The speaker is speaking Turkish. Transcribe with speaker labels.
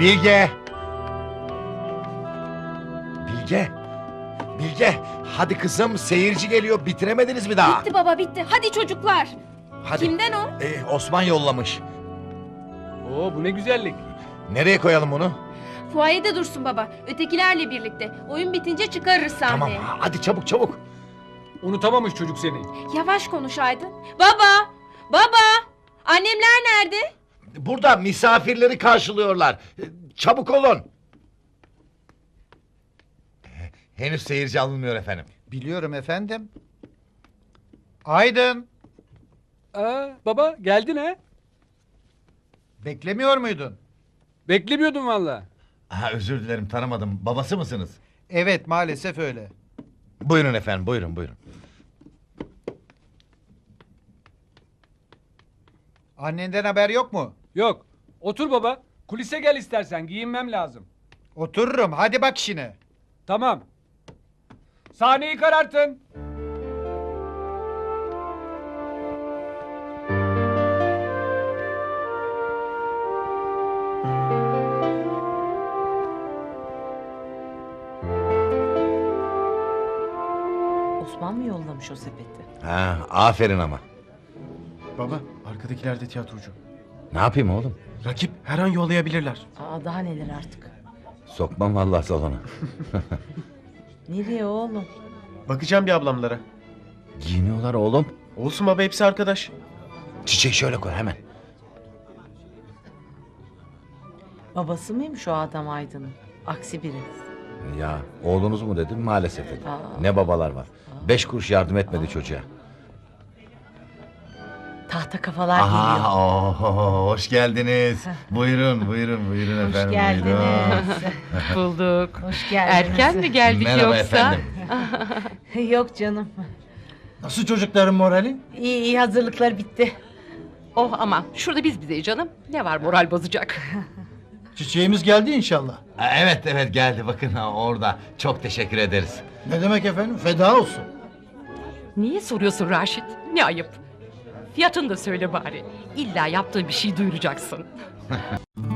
Speaker 1: Bilge! Bilge! Bilge! Hadi kızım, seyirci geliyor. Bitiremediniz mi daha?
Speaker 2: Bitti baba bitti. Hadi çocuklar.
Speaker 1: Hadi.
Speaker 2: Kimden o?
Speaker 1: Osman yollamış.
Speaker 3: Oo, bu ne güzellik.
Speaker 1: Nereye koyalım bunu?
Speaker 2: Fuayede dursun baba. Ötekilerle birlikte. Oyun bitince çıkarırız sahneye.
Speaker 1: Tamam, hadi çabuk çabuk.
Speaker 3: Unutamamış çocuk seni.
Speaker 2: Yavaş konuş Aydın. Baba! Baba! Annemler nerede?
Speaker 1: Burada misafirleri karşılıyorlar. Çabuk olun. Henüz seyirci alınmıyor efendim.
Speaker 4: Biliyorum efendim. Aydın,
Speaker 3: Baba geldin ha?
Speaker 4: beklemiyor muydun?
Speaker 3: Beklemiyordum valla.
Speaker 1: Özür dilerim, tanımadım. Babası mısınız?
Speaker 4: Evet, maalesef öyle.
Speaker 1: Buyurun efendim, buyurun buyurun.
Speaker 4: Annenden haber yok mu?
Speaker 3: Yok. Otur baba. Kulise gel istersen, giyinmem lazım.
Speaker 4: Otururum, hadi bak işine.
Speaker 3: Tamam. Sahneyi karartın.
Speaker 5: Osman mı yollamış o sepeti?
Speaker 1: Aferin ama.
Speaker 6: Baba, arkadakiler de tiyatrocu.
Speaker 1: Ne yapayım oğlum?
Speaker 6: Rakip her an yollayabilirler.
Speaker 5: Aa, daha neler artık.
Speaker 1: Sokmam vallahi salona.
Speaker 5: Nereye oğlum?
Speaker 6: Bakacağım bir ablamlara.
Speaker 1: Giyiniyorlar oğlum.
Speaker 6: Olsun baba, hepsi arkadaş.
Speaker 1: Çiçeği şöyle koy hemen.
Speaker 5: Babası mıymış o adam Aydın'ın? Aksi biri.
Speaker 1: Ya oğlunuz mu dedim, maalesef dedim.
Speaker 5: Aa.
Speaker 1: Ne babalar var. 5 kuruş yardım etmedi çocuğa.
Speaker 5: Tahta kafalar geliyor.
Speaker 1: Hoş geldiniz. Buyurun buyurun
Speaker 5: Hoş geldiniz.
Speaker 7: Bulduk.
Speaker 5: Hoş geldiniz.
Speaker 7: Erken mi geldik
Speaker 1: Merhaba
Speaker 7: yoksa?
Speaker 1: efendim.
Speaker 5: Yok canım.
Speaker 4: Nasıl çocukların morali?
Speaker 5: İyi iyi hazırlıklar bitti.
Speaker 7: Oh aman şurada biz bizeyiz canım. Ne var moral bozacak?
Speaker 4: Çiçeğimiz geldi inşallah.
Speaker 1: Evet geldi, bakın orada. Çok teşekkür ederiz.
Speaker 4: Ne demek efendim, feda olsun.
Speaker 7: Niye soruyorsun Raşit? Ne ayıp. Fiyatını da söyle bari. İlla yaptığın bir şey duyuracaksın.